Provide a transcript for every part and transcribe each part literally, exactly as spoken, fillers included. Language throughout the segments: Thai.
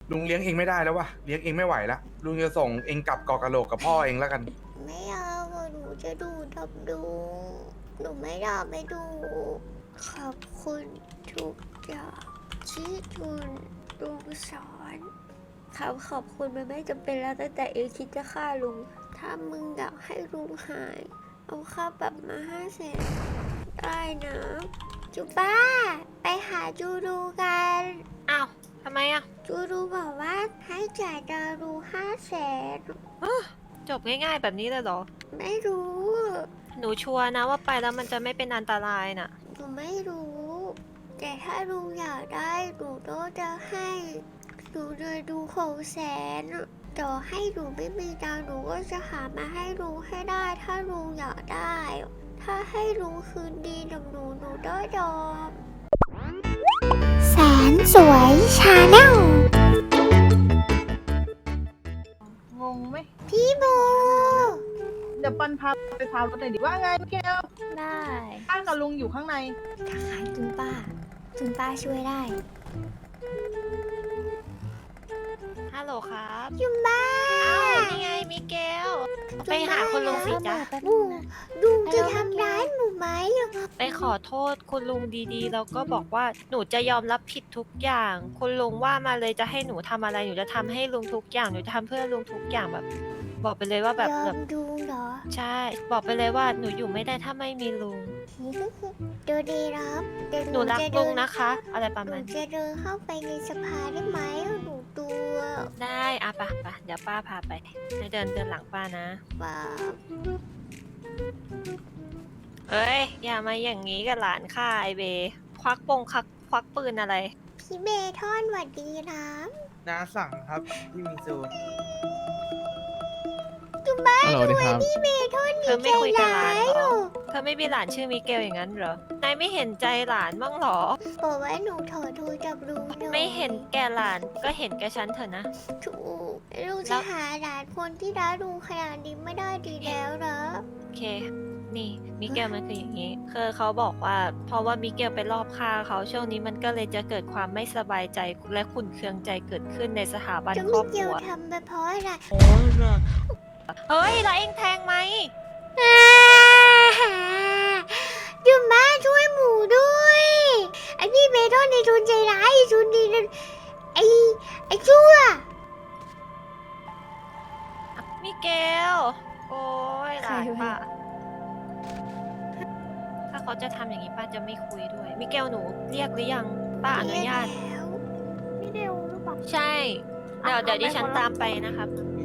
ลุงเลี้ยงเองไม่ได้แล้ววะเลี้ยงเองไม่ไหวละลุงจะส่งเองกลับเกาะกะโหลกกับพ่อเองแล้วกันไม่เอาอะหนูจะดูดับดู หนูไม่อยากไปดู ขอบคุณทุกอย่างที่คุณลุงสอนคำขอบคุณมันไม่จำเป็นแล้วตั้งแต่เองคิดจะฆ่าลุง ถ้ามึงอยากให้ลุงหาย เอาค่าปรับมาห้าแสนได้นะจูบ้า ไปหาจูดูกันอ้าวทำไมอ่ะจูดูบอกว่าให้จ่ายดารูห้าแสนจบง่ายๆแบบนี้เลยเหรอไม่รู้หนูชัวร์นะว่าไปแล้วมันจะไม่เป็นอันตรายน่ะหนูไม่รู้ แต่ถ้าลุงอยากได้หนูก็จะให้หนูเลยดูหกแสนต่อให้หนูไม่มีตังค์หนูก็จะหามาให้ลุงให้ได้ ถ้าลุงอยากได้ ถ้าให้ลุงคืนดีกับหนูหนูได้ยอมแสนสวยชาแนลงงไหมพี่โบเดี๋ยวปันพาไปพารถหน่อยดิว่าไงพี่แก้วได้ป้ากับลุงอยู่ข้างในทหารจุนป้าจุนป้าช่วยได้ฮัลโหลครับจุนป้าอ้าวนี่ไงมิเกล ไปหาคุณลุงสิจ๊ะลุงลุงจะทำร้ายหนูไหมไปขอโทษคุณลุงดีๆ แล้วก็บอกว่าหนูจะยอมรับผิดทุกอย่าง คุณลุงว่ามาเลยจะให้หนูทำอะไร หนูจะทำให้ลุงทุกอย่าง หนูจะทำเพื่อลุงทุกอย่างแบบ บอกไปเลยว่าแบบยอแบมบดูเหรอใช่ บอกไปเลยว่าหนูอยู่ไม่ได้ถ้าไม่มีลุงดูดีรับเดี๋ยวหนูรักจะลุเดิงนะคะ อะไรประหนูมาณนี้จะเดินเข้าไปในสภาได้ไหมหนูตัวได้อะปะปะเดี๋ยวป้าพาไปให้เดินเดินหลังป้านะบ้าเอ้ย อย่ามาอย่างนี้กับหลานข้าไอเบ ควักปงควักควักปืนอะไรพี่เบทอนหวัดดีนะน้าสั่งครับพี่มิซูจุบ้าฮัลโหลทำดีไมครับพี่เบทอนเธอไม่คุยกับหลานเหรอใจร้ยเธอไม่มีหลานชื่อมิเกลอย่างนั้นเหรอ นายไม่เห็นใจหลานบ้างเหรอบอกว่าหนูถอดทูจับลุงหน่อยไม่เห็นแก่หลานก็เห็นแก่ฉันเถอะนะถูกลุงแล้จะวหาหลานคนที่รักลุงขนาดนี้ไม่ได้ดีแล้วนะโอเค นี่มิเกลมันคืออย่างนี้ คือเขาบอกว่า เพราะว่ามิเกลไปรอบฆ่าเขาช่วงนี้มันก็เลยจะเกิดความไม่สบายใจและขุ่นเคืองใจเกิดขึ้นในสถาบันจะครไม่อบคเกี่ยรัววทำไปเพราะอะไรเฮ้ย แล้วเองแทงไหมอ่าจุบ้าช่วยหมูด้วยไอพี่เบทอนในทุนใจร้ายไอ้ทุนดีนั่นไอไอชั่วมิเกล โอ้ยหลานป้า ถ้าเขาจะทำอย่างนี้ป้าจะไม่คุยด้วย มิเกลหนูเรียกหรือยัง ป้าอนุญาตแล้วพี่เดวหรือเปล่าใช่ เดี๋ยวเดี๋ยวดิฉันตามไปนะครับ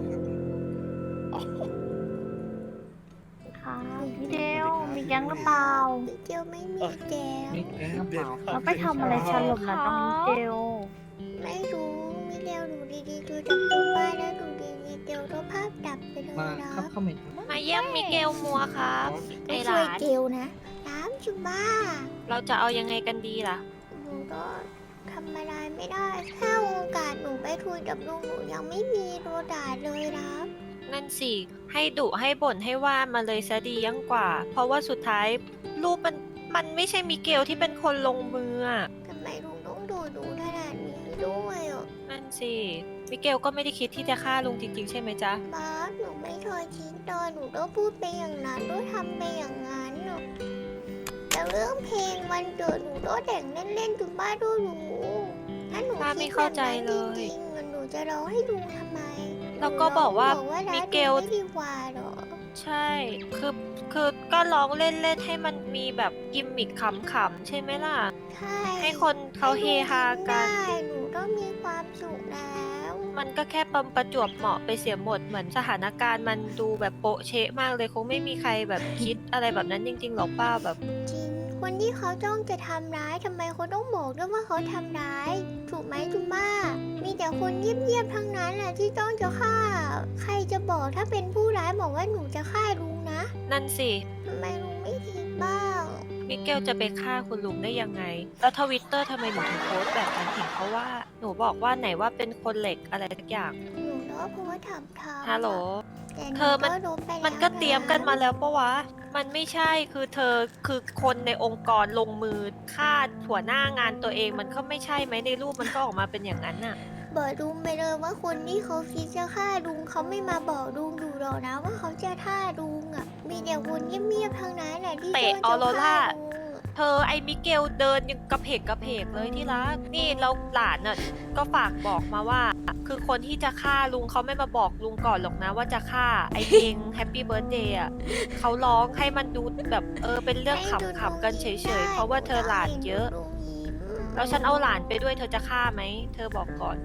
ค่ะพี่เดวมีแก๊งหรือเปล่ามิเกลไม่มีแกวมีแก๊งหรือเปล่าแล้วไปทำอะไรฉลบนะตรงนี้เดวไม่รู้มิเกลดูดีๆดูจับตัวบ้านแล้วดูดีๆเกลก็ภาพดับไปเลยมานะครับเข้าเมนต์มาเยี่ยมมิเกลมัวครับ ไอไม่หช่วยลานเกลนะน้ำจุบ้าเราจะเอายังไงกันดีล่ะหนูก็ทำอะไรไม่ได้ถ้าโอกาสหนูไปคุยกับลุงหนูยังไม่มีโดนด่าเลยนะนั่นสิ ให้ดุให้บ่นให้ว่ามาเลยซะดียังกว่า เพราะว่าสุดท้ายรูปมันมันไม่ใช่มิเกลที่เป็นคนลงมืออะทำไมลุงต้องดูดูขนาดนี้ด้วยอ่ะนั่นสิ มิเกลก็ไม่ได้คิดที่จะฆ่าลุงจริงๆใช่ไหมจ๊ะบาสหนูไม่เคยคิดตอนหนูก็พูดไปอย่างนั้นก็ทำไปอย่างนั้นอ่ะแต่เรื่องเพลงวันเกิดหนูก็แต่งเล่นๆจุบ้าก็รู้ถ้าหนูป้าคิไม่ดแบเข้าบใจนั้นเลจยริงๆอะหนูจะร้องให้ลุงทำไมแล้วก็บอกว่าหนูร้องมิรัเกลลุงไม่ดีกว่าเหรอใช่ คือ คือก็ร้องเล่นๆให้มันมีแบบกิมมิคขำๆใช่ไหมล่ะใช่ให้คนเขาเฮฮากันได้หนูก็มีความสุขแล้วมันก็แค่ปมประจวบเหมาะไปเสียหมด เหมือนสถานการณ์มันดูแบบโปะเชะมากเลยคงไม่มีใครแบบคิดอะไรแบบนั้นจริงๆหรอกป้าแบบจริง คนที่เขาจ้องจะทำร้ายทำไมเขาต้องบอกด้วยว่าเขาทำร้าย ถูกไหมจุม่ามีแต่คนเงียบๆทั้งนั้นแหละที่จ้องจะฆ่า ใครจะบอกถ้าเป็นผู้ร้ายบอกว่าหนูจะฆ่าลุงนะนั่นสิทำไมลุงไม่คิดบ้างมิเกลจะไปฆ่าคุณลุงได้ยังไง แล้วทวิตเตอร์ทำไมหนูถึงโพสต์แบบนั้นเห็นเขาว่า หนูบอกว่าไหนว่าเป็นคนเหล็กอะไรสักอย่างหนูเนาะเพราะว่าทำทำฮัลโหลแต่หเธอมันก็รู้ไปแล้วมันก็เตรียมกันมาะแล้วปะวะ มันไม่ใช่ คือเธอ คือคนในองค์กรลงมือฆ่าหัวหน้างานตัวเอง มันก็ไม่ใช่ไหมในรูปมันก็ออกมาเป็นอย่างนั้นน่ะบบอกลุงไปเลยว่าคนที่เขาคิดจะฆ่าลุงเขาไม่มาบอกลุงดูหรอกนะว่าเขาจะฆ่าลุงอ่ะมีแต่คนเงียบๆทางนั้นแหละที่เตะจ้ออโรร่าจะฆ่ลุงอะเธอไอ้มิเกลเดินยังกระเพกกระเพกเลยที่รักนี่เราหลานน่ะก็ฝากบอกมาว่า คือคนที่จะฆ่าลุงเขาไม่มาบอกลุงก่อนหรอกนะว่าจะฆ่าไอ้เพลงแฮปปี้เบิร์ดเดย์อ่ะเขาร้องให้มันดูแบบเออเป็นเรื่องขำๆกันเฉยๆเพราะว่าเธอหลานเยอะลุงยิ้มแล้วฉันเอาหลานไปด้วยเธอจะฆ่าไหมเธอบอกก่อน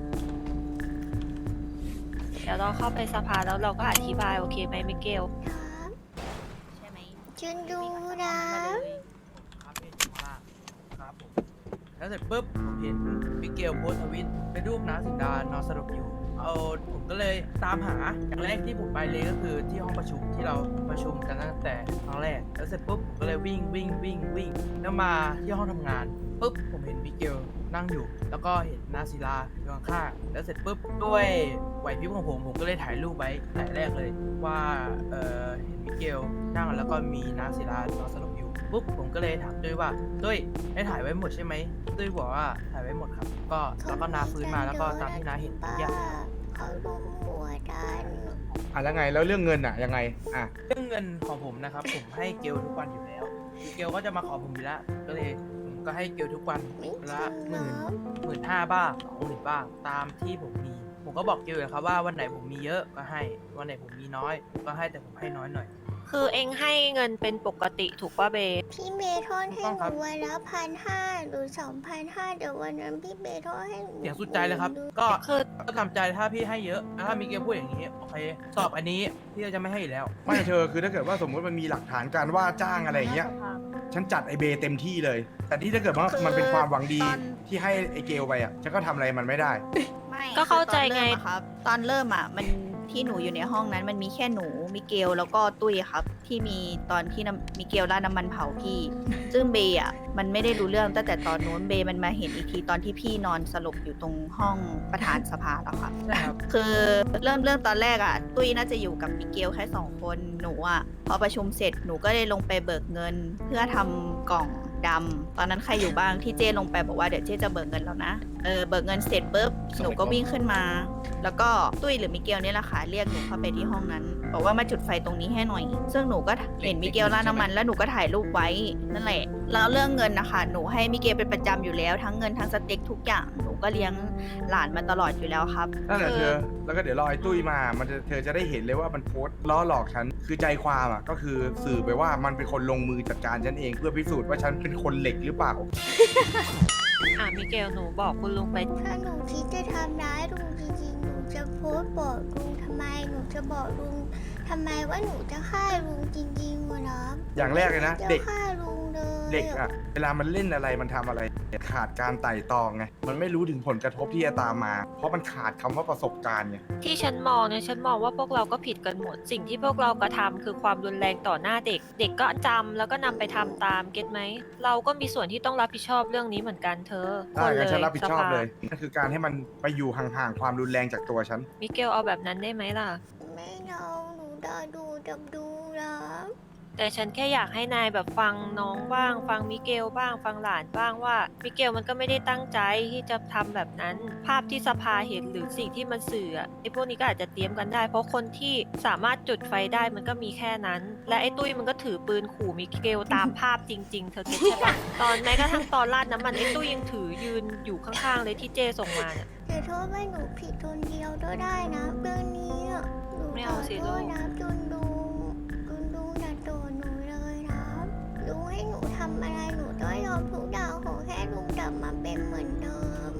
เดี๋ยวเราเข้าไปสภาแล้วเราก็อธิบายโอเคไหมมิเกลครับใช่ไหมฉันดูนะครับพี่อยู่ข้างล่างครับผมแล้วเสร็จปุ๊บผมเห็นมิเกลโพสต์ทวิตเป็นรูปน้าสิงดานอนสลบอยู่เอาผมก็เลยตามหาอย่างแรกที่ผมไปเลยก็คือที่ห้องประชุมที่เราประชุมกันตั้งแต่ครั้งแรกแล้วเสร็จปุ๊บผมก็เลยวิ่งวิ่งวิ่งวิ่งแล้วมาที่ห้องทำงานปุ๊บผมเห็นมิเกลนั่งอยู่ แล้วก็เห็นนาศิลาอยู่ข้างๆแล้วเสร็จปุ๊บด้วยไหวพริบของผมผมก็เลยถ่ายรูปไว้ถ่ายแรกเลยว่าเออเห็นมิเกลนั่งแล้วก็มีนาศิลานอนสลบอยู่ปุ๊บผมก็เลยถามด้วยว่าด้วยได้ถ่ายไว้หมดใช่ไหมด้วยบอกว่าถ่ายไว้หมดครับก็แล้วก็นาฟื้นมาแล้วก็ตามที่นาเห็นทุกอย่างเขาลุมหัวดันอ่ะแล้วไงแล้วเรื่องเงินอ่ะยังไงอ่ะเรื่องเงินของผมนะครับ ผมให้เกลทุกวันอยู่แล้วเกลก็จะมาขอผมอยู่แล้วก็เลยผมก็ให้เกลทุกวันไม่จริละงหเนามื่นะ หมื่นห้าบ้างสองหมื่นบ้างตามที่ผมมี ผมก็บอกเกลอยู่แล้วครับว่าวันไหนผมมีเยอะก็ให้วันไหนผมมีน้อยก็ให้แต่ผมให้น้อยหน่อยคือเองให้เงินเป็นปกติถูกป่ะเบพี่เบทอนให้หนูวันละพันห้าหรือสองพันห้าเดี๋ยววันนั้นพี่เบทอนให้หนูเสียงสุดใจเลยครับ ก็คือก็ทำใจถ้าพี่ให้เยอะถ้ามีเกลพูดอย่างนี้โอเคสอบอันนี้พี่ก็จะไม่ให้อีกแล้วไม่เธอคือถ้าเกิดว่าสมมติมันมีหลักฐานการว่าจ้างอะไรอย่างเงี้ยฉันจัดไอเบเต็มที่เลย แต่ที่ถ้าเกิดว่ามันเป็นความหวังดีที่ให้ไอเกลไปอ่ะฉันก็ทำอะไรมันไม่ได้ไม่ก็เข้าใจไงคือตอนเริ่มอะครับ ตอนเริ่มอ่ะมันที่หนูอยู่ในห้องนั้นมันมีแค่หนูมิเกลแล้วก็ตุ้ยครับ ที่มีตอนที่น้ำมิเกลราดน้ำมันเผาพี่ ซึ่งเบย์อ่ะมันไม่ได้รู้เรื่องตั้งแต่ตอนนู้นเบย์มันมาเห็นอีกทีตอนที่พี่นอนสลบอยู่ตรงห้องประธานสภาแล้วครับใช่ครับคือเริ่มเรื่องตอนแรกอ่ะ ตุ้ยน่าจะอยู่กับมิเกลแค่สองคนหนูอ่ะพอประชุมเสร็จหนูก็เลยลงไปเบิกเงิน เพื่อทำกล่องดำตอนนั้นใครอยู่บ้างที่เจ้ลงไปบอกว่าเดี๋ยวเจ้จะเบิกเงินแล้วนะเออเบิกเงินเสร็จปุ๊บหนูก็วิ่งขึ้นมา แล้วก็ตุ้ยหรือมิเกลเนี่ยแหละค่ะเรียกหนูเข้าไปที่ห้องนั้น บอกว่ามาจุดไฟตรงนี้ให้หน่อย ซึ่งหนูก็เห็นมิเกลราดน้ำมันแล้วหนูก็ถ่ายรูปไว้นั่นแหละแล้วเรื่องเงินนะคะหนูให้มิเกลเป็นประจำอยู่แล้วทั้งเงินทั้งสเต็กทุกอย่างหนูก็เลี้ยงหลานมาตลอดอยู่แล้วครับนั่นแหละคือเธอ แล้วก็เดี๋ยวรอไอ้ตุ้ยมา มันจะเธอจะได้เห็นเลยว่ามันโพสต์ล้อหลอกฉัน คือใจความอ่ะก็คือสื่อไปว่ามันเป็นคนลงมือจัดการฉันเองเพื่อพิสูจน์ว่าฉันเป็นคนเหล็กหรือเปล่าอ่ะมิเกลหนูบอกคุณลุงไปถ้าหนูคิดจะทำร้ายลุงจริงๆ หนูจะโพสต์บอกลุงทำไม หนูจะบอกลุงทำไมว่าหนูจะฆ่าลุงจริงๆวะนะอย่างแรกเลยนะจะเด็กฆ่าลุงเลยเด็กอ่ะ เวลามันเล่นอะไรมันทำอะไรขาดการไต่ตองไง มันไม่รู้ถึงผลกระทบที่จะตามมา เพราะมันขาดคำว่าประสบการณ์ไงที่ฉันมองเนี่ยฉันมองว่าพวกเราก็ผิดกันหมด สิ่งที่พวกเรากระทำคือความรุนแรงต่อหน้าเด็ก เด็กก็จำแล้วก็นำไปทำตามเก็ตไหมเราก็มีส่วนที่ต้องรับผิดชอบเรื่องนี้เหมือนกันเธอได้งั้นฉันรับผิดชอบสภาเลยนั่นคือการให้มันไปอยู่ห่างๆความรุนแรงจากตัวฉันมิเกลเอาแบบนั้นได้ไหมล่ะไม่เอาหนูด่าดูดับดูนะแต่ฉันแค่อยากให้นายแบบฟังน้องบ้าง ฟังมิเกลบ้าง ฟังหลานบ้างว่ามิเกลมันก็ไม่ได้ตั้งใจที่จะทำแบบนั้น ภาพที่สภาเห็นหรือสิ่งที่มันสื่ออะไอ้พวกนี้ก็อาจจะเตรียมกันได้ เพราะคนที่สามารถจุดไฟได้มันก็มีแค่นั้น และไอ้ตุ้ยมันก็ถือปืนขู่มิเกลตามภาพจริง ๆ เธอเก็ตใช่ปะ ตอนแม้กระทั่งตอนราดน้ำมันไอ้ตุ้ยยังถือยืนอยู่ข้างๆเลยที่เจส่งมาเนี่ยแต่โทษว่าหนูผิดคนเดียวก็ได้นะเรื่องนี้อะหนูไม่ขเอาอสิโทลูษกนะจุนดูจุนดูอย่าโดนหนูเลยนะลุงให้หนูทำอะไรหนูต้องยอมทุกอย่างขอแค่ลุงกลับมาเป็นเหมือนเดิม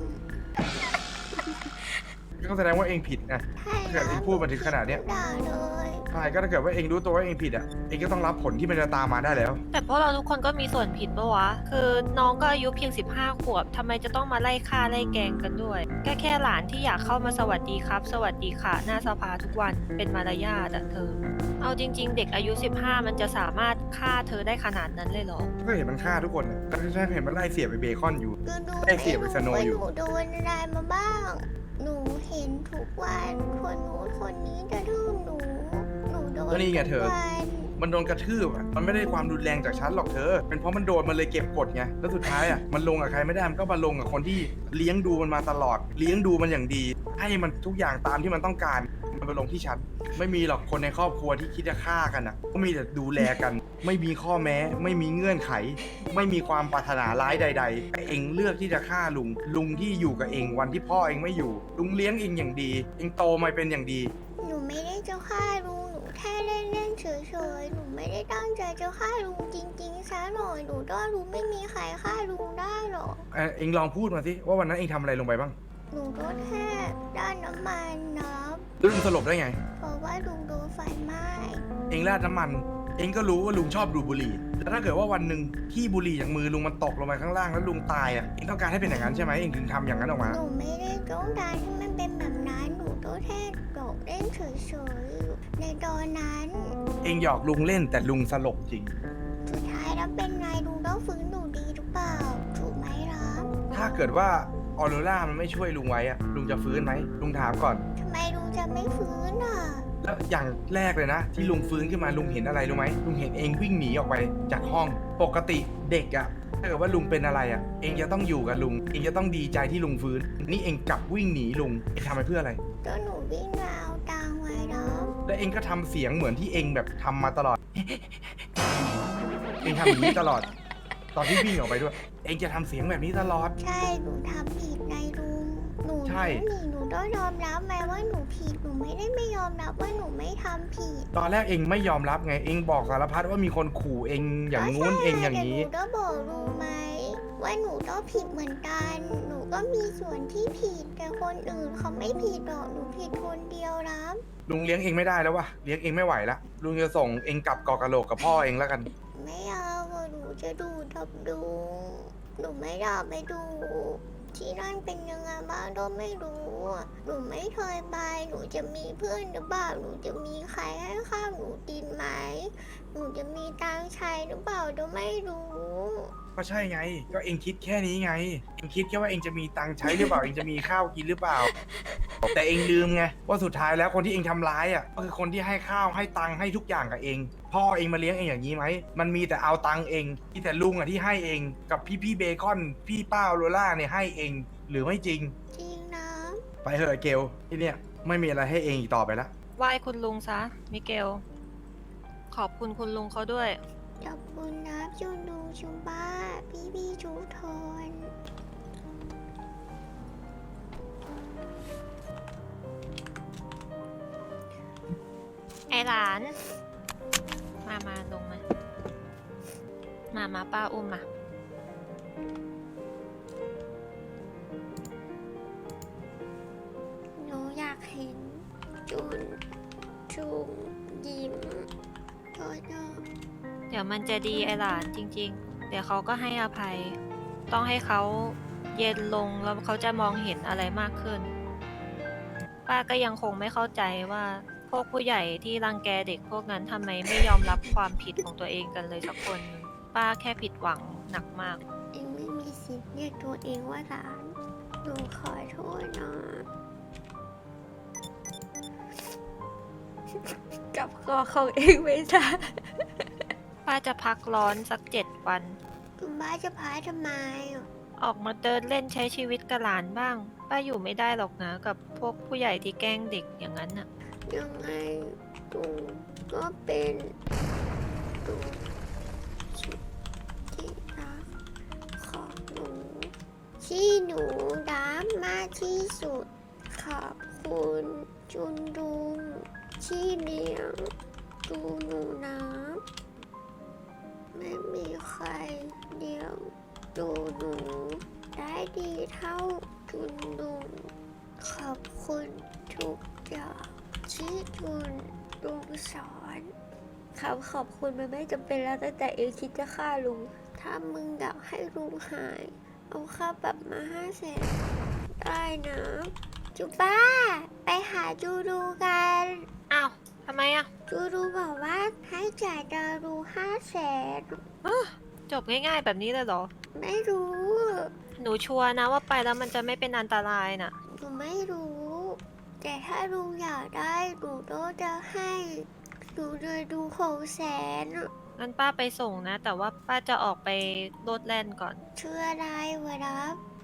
ก็แสดงว่าเองผิดไงใช่ถ้าเกิดเองพูดมาถึงขนาดเนี้ยด่าเลยใช่ก็ถ้าเกิดว่าเองรู้ตัวว่าเองผิดอ่ะ เองก็ต้องรับผลที่มันจะตามมาได้แล้วแต่พวกเราทุกคนก็มีส่วนผิดปะวะ คือน้องก็อายุเพียงสิบห้าขวบทำไมจะต้องมาไล่ฆ่าไล่แกล้งกันด้วย แค่แค่หลานที่อยากเข้ามาสวัสดีครับ สวัสดีค่ะ หน้าสภาทุกวันเป็นมารยาทอะเธอ เอาจริง ๆ เด็กอายุสิบห้ามันจะสามารถฆ่าเธอได้ขนาดนั้นเลยเหรอก็เห็นมันฆ่าทุกคนนะก็ใช่เห็นมันไล่เสียบไปเบคอนอยู่จุนดูได้เสียไปสโนว์อยู่หนูโดนอะไรมาบ้าง หนูเห็นทุกวันคนนู้นคนนี้จะทืบหนู หนูโดนก็นี่ไงเธอทุกวันมันโดนกระทืบอะมันไม่ได้ความรุนแรงจากฉันหรอกเธอ เป็นเพราะมันโดนมันเลยเก็บกดไงแล้วสุดท้ายอ่ะมันลงกับใครไม่ได้มันก็มาลงกับคนที่เลี้ยงดูมันมาตลอด เลี้ยงดูมันอย่างดี ให้มันทุกอย่างตามที่มันต้องการมันไปลงที่ฉันไม่มีหรอกคนในครอบครัวที่คิดจะฆ่ากันอ่ะก็มีแต่ดูแลกัน ไม่มีข้อแม้ ไม่มีเงื่อนไข ไม่มีความปรารถนาร้ายใดๆแต่เองเลือกที่จะฆ่าลุง ลุงที่อยู่กับเองวันที่พ่อเองไม่อยู่ ลุงเลี้ยงเองอย่างดี เองโตมาเป็นอย่างดีหนูไม่ได้จะฆ่าลุงหนูแค่เล่นเล่นๆเฉยๆหนูไม่ได้ตั้งใจจะฆ่าลุงจริงๆซะหน่อยหนูก็รู้ไม่มีใครฆ่าลุงได้หรอกเอ่อเองลองพูดมาสิว่าวันนั้นเองทำอะไรลงไปบ้างหนูก็แค่ด้านน้ำมันนะแล้วลุงสลบได้ไงเพราะว่าลุงโดนไฟไหม้เองราดน้ำมัน เองก็รู้ว่าลุงชอบดูดบุหรี่แล้วถ้าเกิดว่าวันหนึ่งที่บุหรี่จากมือลุงมันตกลงไปข้างล่างแล้วลุงตายอ่ะ เองต้องการให้เป็นอย่างนั้นใช่ไหมเองถึงทำอย่างนั้นออกมาหนูไม่ได้ต้องการให้มันเป็นแบบนั้นหนูก็แค่โดดเล่นเฉยๆในตอนนั้นเองหยอกลุงเล่นแต่ลุงสลบจริงสุดท้ายแล้วเป็นไงลุงต้องฟื้นหนูดีหรือเปล่าถูกไหมล่ะถ้าเกิดว่าออโรร่ามันไม่ช่วยลุงไว้อะลุงจะฟื้นไหมลุงถามก่อนทำไมลุงจะไม่ฟื้นอ่ะแล้วอย่างแรกเลยนะ ที่ลุงฟื้นขึ้นมาลุงเห็นอะไรรู้ไหมลุงเห็นเองวิ่งหนีออกไปจากห้องปกติเด็กอะถ้าเกิดว่าลุงเป็นอะไรอะเองจะต้องอยู่กับลุงเองจะต้องดีใจที่ลุงฟื้น นี่เองกลับวิ่งหนีลุงเองทำไปเพื่ออะไรก็หนูวิ่งมาเอาตังค์ไว้แล้วแล้วเองก็ทำเสียงเหมือนที่เองแบบทำมาตลอด เองทำอย่างนี้ตลอด ตอนที่วิ่งออกไปด้วย เองจะทำเสียงแบบนี้ตลอดใช่หนูทำผิดในลุงหนูใช่หนีหนูต้องยอมรับไหมว่าหนูผิดหนูไม่ได้ไม่ยอมรับว่าหนูไม่ทำผิดตอนแรกเองไม่ยอมรับไง เองบอกสารพัดว่ามีคนขู่เองอย่างงู้นเองอย่างนี้นี้หนูก็บอกลุงไหมว่าหนูก็ผิดเหมือนกัน หนูก็มีส่วนที่ผิดแต่คนอื่นเขาไม่ผิดหรอกหนูผิดคนเดียวรับลุงเลี้ยงเองไม่ได้แล้ววะเลี้ยงเองไม่ไหวละลุงจะส่งเองกลับเกาะกะโหลกกับพ่อเองแล้วกันไม่เอาอะหนูจะดูดับดู หนูไม่อยากไปดู ที่นั่นเป็นยังไงบ้างก็ไม่รู้อะหนูไม่เคยไป หนูจะมีเพื่อนหรือเปล่า หนูจะมีใครให้ข้าวหนูกินไหม หนูจะมีตังค์ใช้หรือเปล่าก็ไม่รู้ก็ใช่ไง ก็เองคิดแค่นี้ไง เองคิดแค่ว่าเองจะมีตังค์ใช้หรือเปล่า เองจะมีข้าวกินหรือเปล่า แต่เองลืมไงว่าสุดท้ายแล้วคนที่เองทำร้ายอ่ะก็คือคนที่ให้ข้าวให้ตังค์ให้ทุกอย่างกับเอง พ่อเองมาเลี้ยงเองอย่างนี้ไหม มันมีแต่เอาตังค์เองมีแต่ลุงอ่ะที่ให้เองกับพี่พี่ๆเบคอน พี่ป้าโรล่าเนี่ยให้เองหรือไม่จริงจริงนะไปเถอะเกลที่เนี่ยไม่มีอะไรให้เองอีกต่อไปละไหว้คุณลุงซะ มิเกล ขอบคุณคุณลุงเขาด้วยขอบคุณนะจุนดูชุมบ้า พี่พี่ชุทนไอหลาน มามาลงมา มามาป้าอุ้มมาหนูอยากเห็นจุนชุมยิ้มก็จะเดี๋ยวมันจะดีไอหลานจริง ๆ เดี๋ยวเขาก็ให้อภัย ต้องให้เขาเย็นลงแล้วเขาจะมองเห็นอะไรมากขึ้น ป้าก็ยังคงไม่เข้าใจว่าพวกผู้ใหญ่ที่รังแกเด็กพวกนั้นทำไมไม่ยอมรับความผิดของตัวเองกันเลยสักคน ป้าแค่ผิดหวังหนักมากเองไม่มีสิทธิ์เรียกตัวเองว่าหลาน หนูขอโทษนะ จับคอของเองไม่ได้ป้าจะพักร้อนสักเจ็ดวันคุณบ้าจะพาทำไมอ่ะออกมาเดินเล่นใช้ชีวิตกับหลานบ้าง ป้าอยู่ไม่ได้หรอกนะกับพวกผู้ใหญ่ที่แกล้งเด็กอย่างนั้นน่ะยังไงตูก็เป็นตูสุดที่รักของหนูที่หนูรักมากที่สุด ขอบคุณจุนดุงที่เลี้ยงดูหนูนะไม่มีใครเลี้ยงดูหนูได้ดีเท่าจุนดุงขอบคุณทุกอย่างที่จุนดุงสอนคำขอบคุณมันไม่จำเป็นแล้วตั้งแต่เองคิดจะฆ่าลุง ถ้ามึงอยากให้ลุงหาย เอาค่าปรับมาห้าแสนได้นะ จูบ้า ไปหาจูดูกันอ้าวทำไมอ่ะจูดูบอกว่าให้จ่ายดารูห้าแสนจบง่ายๆแบบนี้เลยเหรอไม่รู้หนูชัวร์นะว่าไปแล้วมันจะไม่เป็นอันตรายน่ะหนูไม่รู้ แต่ถ้าลุงอยากได้หนูก็จะให้ลดูเลยดูหกแสนอะงั้นป้าไปส่งนะ แต่ว่าป้าจะออกไปโลดแล่นก่อนชื่ออะไรวะครับ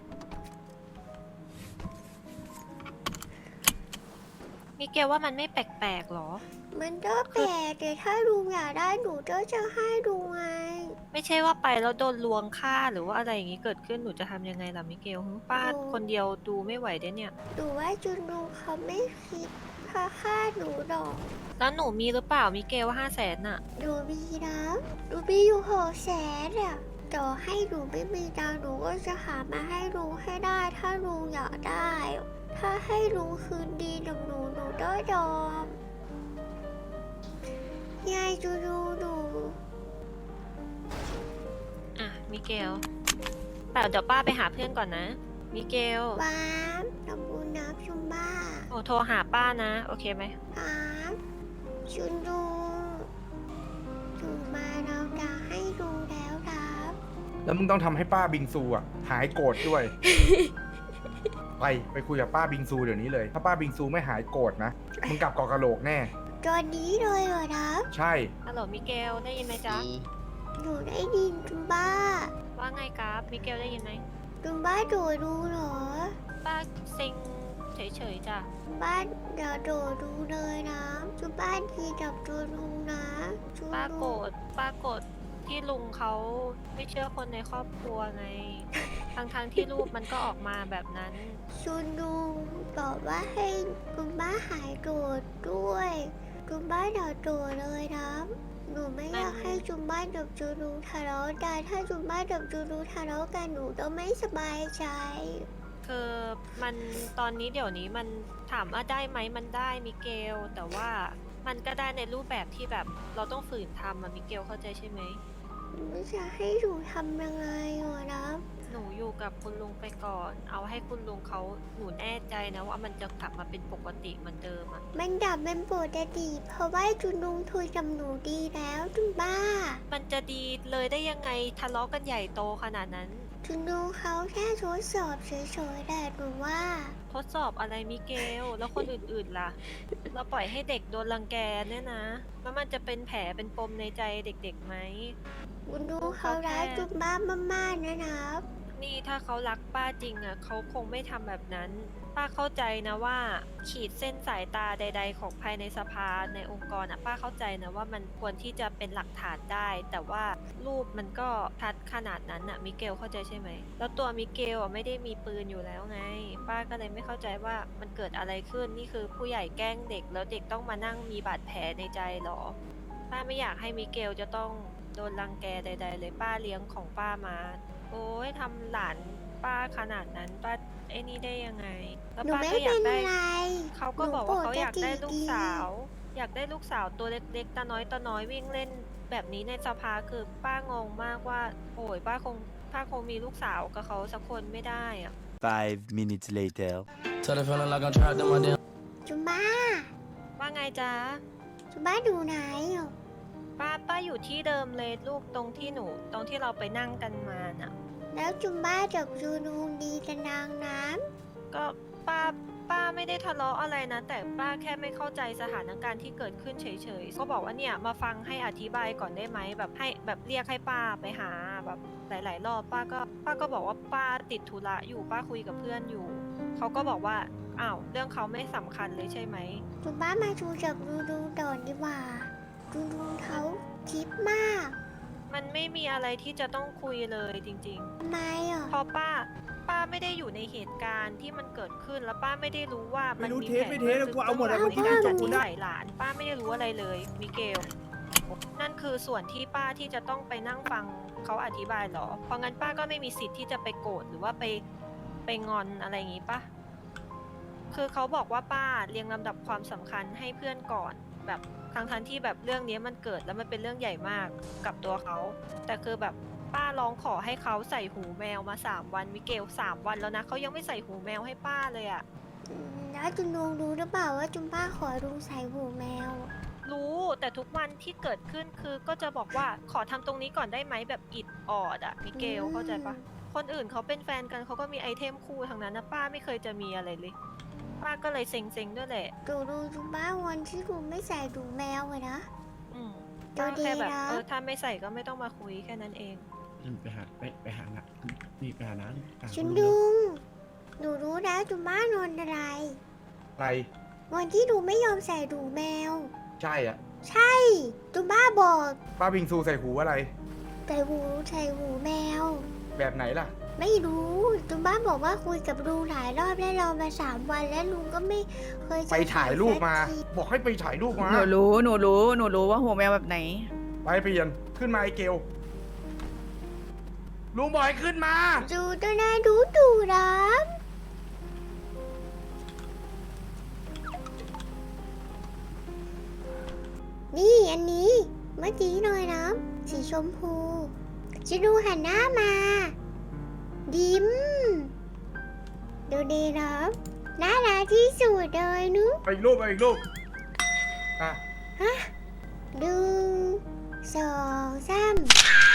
มิเกลว่ามันไม่แปลกๆหรอมันก็แปลกแต่ถ้าลุงอยากได้หนูก็จะให้ดูไงไม่ใช่ว่าไปแล้วโดนลวงฆ่าหรือว่าอะไรอย่างนี้เกิดขึ้นหนูจะทำยังไงล่ะมิเกลหึป้าโอ้คนเดียวดูไม่ไหวเด้เนี่ยหนูว่าจุนลุงเขาไม่คิดพาฆ่าหนูหรอกแล้วหนูมีหรือเปล่ามิเกลห้าแสนน่ะหนูมีนะหนูมีอยู่หกแสนอะต่อให้หนูไม่มีตังค์หนูก็จะหามาให้ลุงให้ได้ ถ้าลุงอยากได้ ถ้าให้ลุงคืนดีกับหนูหนูก็ยอมยายจูดูหนูอ่ะมิเกลแต่เดี๋ยวป้าไปหาเพื่อนก่อนนะ มิเกลว้ามทำบุญนะชุมบ้าโอ้โทรหาป้านะ โอเคไหมว้ามชุนดูถูกมาเราจะให้ดูแล้วครับแล้วมึงต้องทำให้ป้าบิงซูอ่ะหายโกรธด้วย ไปไปคุยกับป้าบิงซูเดี๋ยวนี้เลย ถ้าป้าบิงซูไม่หายโกรธนะ มึงกลับเกาะกะโหลกแน่ตอนนี้เลยเหรอครับใช่ฮัลโหลมิเกลได้ยินไหมจ๊ะหนูได้ยินจุมบ้าว่าไงครับมิเกลได้ยินไหมจุมบ้าโดดดูเหรอป้าเซ็งเฉยๆจ้ะจุมบ้าเดี๋ยวโดดดูเลยนะจุมบ้าทีจับตัวลุงนะจุมป้าโกรลุงธป้าโกรธที่ลุงเขาไม่เชื่อคนในครอบครัวไง ทั้งๆที่รูปมันก็ออกมาแบบนั้นชุนลุงบอกว่าให้จุมบ้าหายโดดด้วยจุมบ้าเดี๋ยวโดดเลยนะหนูไม่อยากให้จุมบ้ากับจูรูทะเลาะกันถ้าจุมบ้ากับจูรูทะเลาะกันหนูต้องไม่สบายใจคือมันตอนนี้เดี๋ยวนี้มันถามว่าได้ไหมมันได้มิเกล แต่ว่ามันก็ได้ในรูปแบบที่แบบเราต้องฝืนทำอะมิเกลเข้าใจใช่ไหมไม่จะให้หนูทำยังไงวะนะหนูอยู่กับคุณลุงไปก่อน เอาให้คุณลุงเขาหนูแน่ใจนะว่ามันจะกลับมาเป็นปกติเหมือนเดิมอะมันดับเป็นปกติเพราะว่าจุนลุงคุยกับหนูดีแล้วจุนบ้ามันจะดีเลยได้ยังไงทะเลาะกันใหญ่โตขนาดนั้นจุนลุงเขาแค่ทดสอบเฉยๆแต่หนูว่าทดสอบอะไรมิเกล แล้วคนอื่นๆล่ะ เราปล่อยให้เด็กโดนรังแกเนี่ยนะ แล้วมันจะเป็นแผลเป็นปมในใจเด็กๆไหมจุนลุงเขารักจุนบ้ามากๆนะครับนี่ถ้าเขารักป้าจริงอ่ะเขาคงไม่ทำแบบนั้น ป้าเข้าใจนะว่า ขีดเส้นสายตาใด ๆ ของภายในสภาในองค์กรอ่ะป้าเข้าใจนะว่ามันควรที่จะเป็นหลักฐานได้ แต่ว่ารูปมันก็ชัดขนาดนั้นอ่ะมิเกลเข้าใจใช่ไหมแล้วตัวมิเกลอ่ะไม่ได้มีปืนอยู่แล้วไง ป้าก็เลยไม่เข้าใจว่ามันเกิดอะไรขึ้นนี่คือผู้ใหญ่แกล้งเด็ก แล้วเด็กต้องมานั่งมีบาดแผลในใจหรอ ป้าไม่อยากให้มิเกลจะต้องโดนรังแกใด ๆ เลยป้าเลี้ยงของป้ามา โอ้ยทำหลานป้าขนาดนั้นป้าไอ้นี่ได้ยังไง แล้วหนูป้าไม่ก็อยาเป็กนได้ไรเขาก็บอกว่าเขาหนูปกติอยากได้ลูกสาวดีอยากได้ลูกสาวตัวเล็กๆตาน้อยตาน้อยวิ่งเล่นแบบนี้ในสภาคือป้างงมากว่า โอ้ยป้าคงป้าคงมีลูกสาวกับเขาสักคนไม่ได้อะ Five minutes later. Tell the feeling like I'm trapped in my damn. จุนบ้าว่าไงจ๊ะจุนบ้าดูไหนอ่ะป้าป้าอยู่ที่เดิมเลยลูกตรงที่หนู ตรงที่เราไปนั่งกันมาน่ะแล้วจุนบ้ากับจูนูดีกันนางน้ก็ป้าป้าไม่ได้ทะเลาะอะไรนะ แต่ป้าแค่ไม่เข้าใจสถานการณ์ที่เกิดขึ้นเฉยๆก็บอกว่าเนี่ยมาฟังให้อธิบายก่อนได้ไหมแบบให้แบบเรียกให้ป้าไปหาแบบหลายๆรอบป้าก็ป้าก็บอกว่าป้าติดธุระอยู่ป้าคุยกับเพื่อนอยู่เขาก็บอกว่าอ้าวเรื่องเขาไม่สำคัญเลยใช่ไหมำจุนบ้ามาดูกับจูนูก่อนดีกว่าจูนูเขาคิดมากมันไม่มีอะไรที่จะต้องคุยเลยจริงทำไมอ่ะๆ พอป้าป้าไม่ได้อยู่ในเหตุการณ์ที่มันเกิดขึ้นแล้วป้าไม่ได้รู้ว่ามันไม่รู้มีเทสแผนไม่เทสบื้งกูเอาหมดอะบื้งหลังในการจัดกูนิได้สัยหลาน ป้าไม่ได้รู้อะไรเลยมิเกล นั่นคือส่วนที่ป้าที่จะต้องไปนั่งฟังเขาอธิบายเหรอ เพราะงั้นป้าก็ไม่มีสิทธิ์ที่จะไปโกรธหรือว่าไปไปงอนอะไรอย่างงี้ปะคือเขาบอกว่าป้าเรียงลำดับความสำคัญให้เพื่อนก่อน แบบทั้งทันที่แบบเรื่องนี้มันเกิดแล้วมันเป็นเรื่องใหญ่มากกับตัวเขา แต่คือแบบป้าร้องขอให้เขาใส่หูแมวมาสามวันมิเกลสามวันแล้วนะเขายังไม่ใส่หูแมวให้ป้าเลยอะอืมแล้วจุนนูรู้หรือเปล่าว่าจุนบ้าขอลุงใส่หูแมวรู้แต่ทุกวันที่เกิดขึ้นคือก็จะบอกว่าขอทำตรงนี้ก่อนได้ไหมแบบอิดออดอะมิเกลเข้าใจปะคนอื่นเขาเป็นแฟนกันเขาก็มีไอเทมคู่ทั้งนั้นนะป้าไม่เคยจะมีอะไรเลย ป้าก็เลยเซ็งๆด้วยแหละดูดูจุนบ้าวันที่ลุงไม่ใส่หูแมวเลยนะดูก็ดีแค่แบบนะเออถ้าไม่ใส่ก็ไม่ต้องมาคุยแค่นั้นเองไปหาไปไปหานะนี่ไปหานะหาชุนคุณดุลุงง หนูรู้แล้วจุม่านอนอะไรอะไรวันที่หนูไม่ยอมใส่ดูแมวใช่อ่ะใช่จุม่าบอกป้าบิงซูใส่หูอะไรใส่หูใส่หูแมวแบบไหนล่ะไม่รู้จุม่าบอกว่าคุยกับลุงหลายรอบแล้วรอมาสามวันแล้วลุงก็ไม่เคยจะไปถ่ายรูปมาสักทีบอกให้ไปถ่ายรูปมาหนูรู้หนูรู้หนูรู้ว่าหัวแมวแบบไหนไปเปลี่ยนขึ้นมาไอเกลลุงบอกให้ขึ้นมาดูตัวนาดูดูรับ นี่อันนี้เมื่อกี้หน่อยนะสีชมพูจะดูหันหน้ามา ยิ้ม ดูดีนะน่ารักที่สุดเลยนุไปอีกรูปไปอีกรูปอ่ะหนึ่งสองสาม